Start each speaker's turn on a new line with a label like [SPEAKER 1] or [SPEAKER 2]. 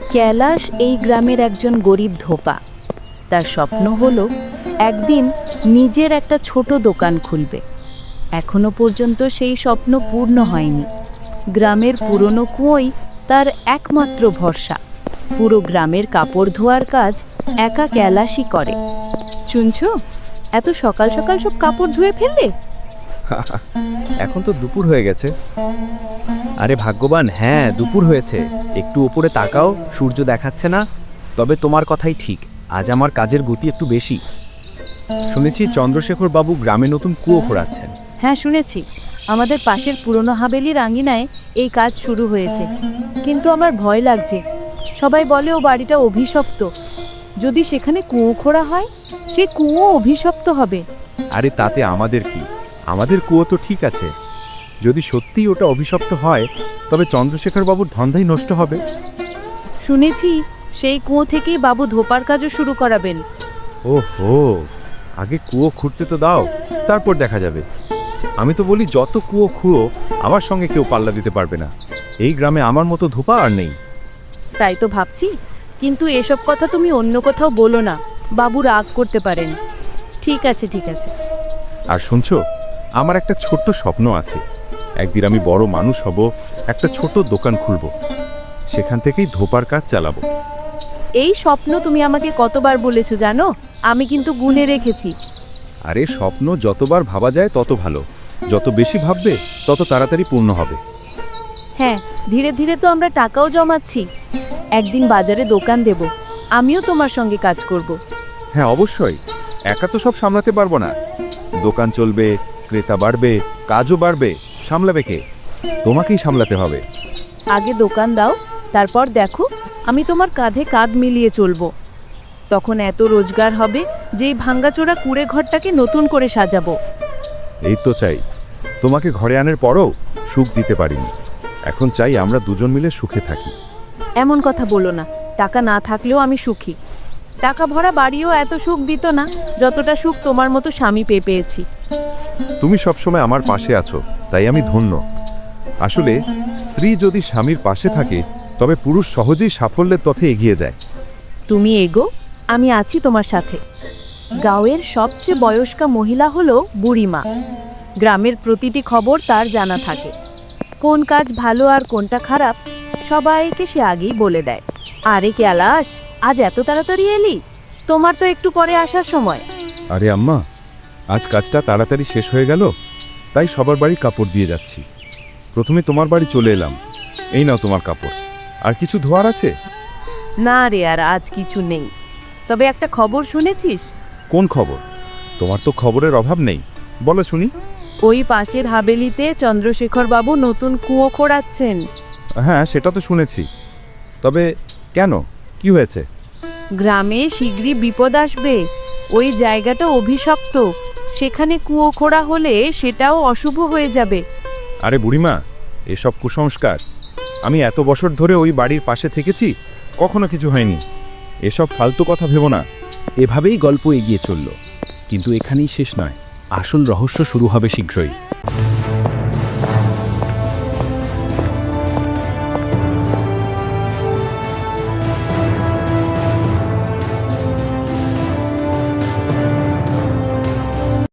[SPEAKER 1] कैलाश এই গ্রামের একজন গরিব ধোপা। তার স্বপ্ন হলো একদিন নিজের একটা ছোট দোকান খুলবে। এখনো পর্যন্ত সেই স্বপ্ন পূর্ণ হয়নি। গ্রামের পুরনো কুয়োই তার একমাত্র ভরসা। পুরো গ্রামের কাপড় ধোয়ার কাজ একা कैलाशই করে। শুনছো, এত সকাল সকাল সব কাপড় ধুয়ে ফেললে?
[SPEAKER 2] এখন তো দুপুর হয়ে গেছে। আরে ভাগ্যবান, হ্যাঁ দুপুর হয়েছে। একটু উপরে তাকাও, সূর্য দেখাচ্ছে না। তবে তোমার কথাই ঠিক, আজ আমার কাজের গতি একটু বেশি। শুনেছি চন্দ্রশেখর বাবু গ্রামে নতুন কুয়ো খোঁড়াচ্ছেন।
[SPEAKER 1] হ্যাঁ শুনেছি, আমাদের পাশের পুরনো হাভেলির আঙিনায় এই কাজ শুরু হয়েছে। কিন্তু আমার ভয় লাগছে। সবাই বলে ও বাড়িটা অভিশপ্ত। যদি সেখানে কুয়ো খোঁড়া হয়, সে কুয়ো অভিশপ্ত হবে।
[SPEAKER 2] আরে তাতে আমাদের কি? আমাদের কুয়ো তো ঠিক আছে। যদি সত্যিই ওটা অভিশপ্ত হয়, তবে চন্দ্রশেখর বাবুর ধন্দাই নষ্ট হবে।
[SPEAKER 1] শুনেছি সেই কুয়ো থেকেই বাবু ধোপার কাজও শুরু করাবেন।
[SPEAKER 2] ওহো, আগে কুয়ো খুঁড়তে তো দাও, তারপর দেখা যাবে। আমি তো বলি যত কুয়ো খুঁড়ো, আমার সঙ্গে কেউ পাল্লা দিতে পারবে না। এই গ্রামে আমার মতো ধোপা আর নেই।
[SPEAKER 1] তাই তো ভাবছি, কিন্তু এসব কথা তুমি অন্য কোথাও বলো না, বাবু রাগ করতে পারেন। ঠিক আছে ঠিক আছে।
[SPEAKER 2] আর শুনছো, আমার একটা ছোট্ট স্বপ্ন আছে। একদিন আমি বড় মানুষ হব, একটা ছোট দোকান খুলব, সেখান থেকেই ধোপার কাজ চালাবো।
[SPEAKER 1] এই স্বপ্ন তুমি আমাকে কতবার বলেছো জানো? আমি কিন্তু গুনে রেখেছি।
[SPEAKER 2] আরে স্বপ্ন যতবার ভাবা যায় তত ভালো। যত বেশি ভাববে তত তাড়াতাড়ি পূর্ণ হবে।
[SPEAKER 1] হ্যাঁ, ধীরে ধীরে তো আমরা টাকাও জমাচ্ছি। একদিন বাজারে দোকান দেব, আমিও তোমার সঙ্গে কাজ করব।
[SPEAKER 2] হ্যাঁ অবশ্যই, একা তো সব সামলাতে পারবো না। দোকান চলবে, ক্রেতা বাড়বে, কাজও বাড়বে, সামলাবে কে? তোমাকেই সামলাতে হবে।
[SPEAKER 1] আগে দোকান দাও, তারপর দেখো আমি তোমার কাঁধে কাঁধ মিলিয়ে চলবো। তখন এত রোজগার হবে যে এই ভাঙ্গাচোরা কুড়ে ঘরটাকে নতুন করে সাজাবো।
[SPEAKER 2] এই তো চাই, তোমাকে ঘরে আনার পরও সুখ দিতে পারিনি। এখন চাই আমরা দুজন মিলে সুখে থাকি।
[SPEAKER 1] এমন কথা বলো না, টাকা না থাকলেও আমি সুখী। টাকা ভরা বাড়িও এত সুখ দিত না যতটা সুখ তোমার মতো স্বামী পেয়েছি।
[SPEAKER 2] তুমি সবসময় আমার পাশে আছো, তাই আমি ধন্য। আসলে স্ত্রী যদি স্বামীর পাশে থাকে, তবে পুরুষ সহজেই সাফল্যের পথে এগিয়ে যায়।
[SPEAKER 1] তুমি এগো, আমি আছি তোমার সাথে। গাঁয়ের সবচেয়ে বয়স্কা মহিলা হলো বুড়িমা। গ্রামের প্রতিটি খবর তার জানা থাকে। কোন কাজ ভালো আর কোনটা খারাপ সবাইকে সে আগেই বলে দেয়। আরে कैलाश, আজ এত তাড়াতাড়ি এলি? তোমার তো একটু পরে আসার সময়।
[SPEAKER 2] আরে আম্মা, আজ কাজটা তাড়াতাড়ি শেষ হয়ে গেল, তাই সবার বাড়ি কাপড় দিয়ে যাচ্ছি। প্রথমে তোমার বাড়ি চলে এলাম। এই নাও তোমার কাপড়। আর কিছু ধোয়ার আছে?
[SPEAKER 1] না রে, আর আজ কিছু নেই। তবে একটা খবর শুনেছিস?
[SPEAKER 2] কোন খবর? তোমার তো খবরের অভাব নেই, বলো শুনি।
[SPEAKER 1] ওই পাশের হাবেলিতে চন্দ্রশেখর বাবু নতুন কুয়ো খোঁড়াচ্ছেন।
[SPEAKER 2] হ্যাঁ সেটা তো শুনেছি। তবে কেন, কি হয়েছে?
[SPEAKER 1] গ্রামে শীঘ্রই বিপদ আসবে। ওই জায়গাটা অভিশপ্ত। সেখানে কুয়ো খোঁড়া হলে সেটাও অশুভ হয়ে যাবে।
[SPEAKER 2] আরে বুড়িমা, এসব কুসংস্কার। আমি এত বছর ধরে ওই বাড়ির পাশে থেকেছি, কখনো কিছু হয়নি। এসব ফালতু কথা ভেবো না। এভাবেই গল্প এগিয়ে চলল, কিন্তু এখানেই শেষ নয়। আসল রহস্য শুরু হবে শীঘ্রই।